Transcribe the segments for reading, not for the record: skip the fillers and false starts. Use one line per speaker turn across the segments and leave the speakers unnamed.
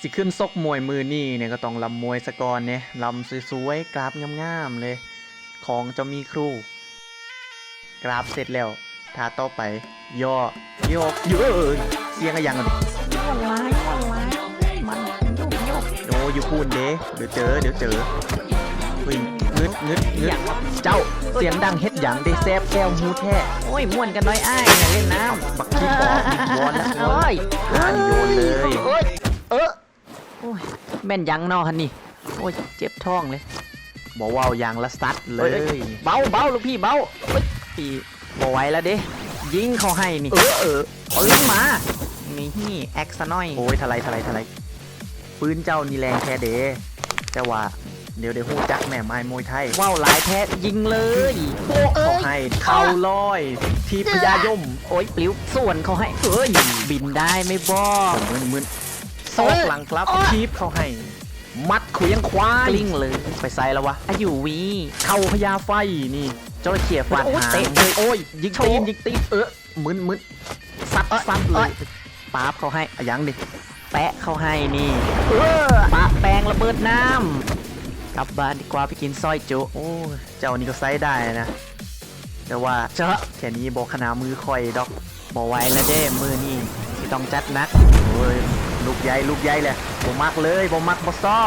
สิขึ้นซกมวยมือนี่เนี่ยก็ต้องลำมวยสะกอนเนี่ยลำสวยๆกราบงามๆเลยของจะมีครูกราบเสร็จแล้วท่าต่อไปย่อโยกเยอะเสียงอะไรอย่างนั้น
มันร้ายมันโยก
โอ้อยู่พูนเด้เดี๋ยวเจอเฮ้ยงึดเจ้าเสียงดังเฮ็ดหยังได้แซบแก้วหูแท้
โอ้ยม่วนกันน้อยอ้ายอย่าเล่นน้ำ
บักขี้ปอบอีกวอนแล้ว
โอ้ย
โยนเลย
โอ้ยโอ้ยแม่นยังนอฮันนี่โอ้ยเจ็บท้องเลย
บอกว่าอย่างละซัดเลย
เบาลูกพี่เบาเฮ้ยพี่บ่ไหวแล้วเด้ยิงเขาให้นี่ปืนมานี่แอคซะหน่อย
โอ้ยทลายปืนเจ้านี่แรงแท้เด้แต่ว่าเดี๋ยวหูจักแม่ไม้มวยไทย
ว้าวหลายแท้ยิงเลย
เขาให้เข่าลอยทีพยายม
โอ้ยปลิวส่วนเขาให้เอ้ยบินได้ไม่บอก
มึนซอกหลังครับคีบเขาให้ มัดเขวียงควาย
กลิ้งเลย
ไปใส่แล้ววะ
อายุวี
เข่าพญาไฟนี่เจ้าเขี่ยฟาดหาง
เตะเลยโอ้ย
ยิง
โช
ตี
ว์
นมึนซัดเลย
ป๊าบเขาให้
อะยังดิ
แปะเขาให้นี่ปะแปงระเบิดน้ำกลับบ้านดีกว่าไปกินซอยจุ
โอ้เจ้านี่ก็ไซส์ได้นะแต่ว่า
เจาะ
แค่นี้บอกขนามือคอยดอก
บ่ไหวแล้วเด้มือนี่ที่ต้องจัดหนัก
โอ้ยลูกใหญ่เลยบ่มักเลยบ่มักบ่ชอบ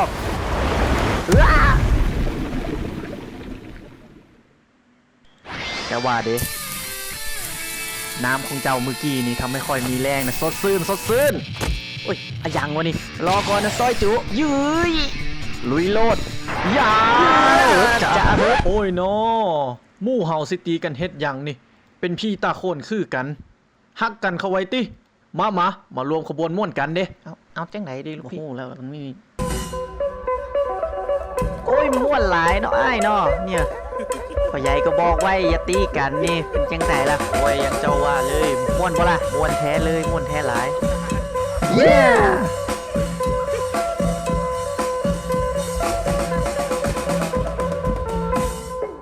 แต่ว่าเด้น้ำของเจ้าเมื่อกี้นี่ทำให้ค่อยมีแรงนะสดซื่น
โอ้ยอะยังวะนี่รอก่อนนะซอยจุยืย
ลุยโลดยา
จะเบิด
โอ้ยนอหมู่เฮาสิตีกันเฮ็ดหยังนี่ เป็นพี่ตาโคนคือกันฮักกันเข้าไว้ติมารวมขบวนม่วนกันเด้
เอาจังไหนดีลูก
โอ้
พี่
โหแล้วมันไม่มี
โอ้ยม่วนหลายเนาะอ้ายเนาะเนี่ยพ่อใหญ่ก็บอกไว้อย่าตีกันนี่เป็นจังไหนล่ะ
โอ้ยยังเจ้าว่าเลย
ม่วนบ่ล่ะ
มวนแท้เลยมวนแท้หลาย
Yeah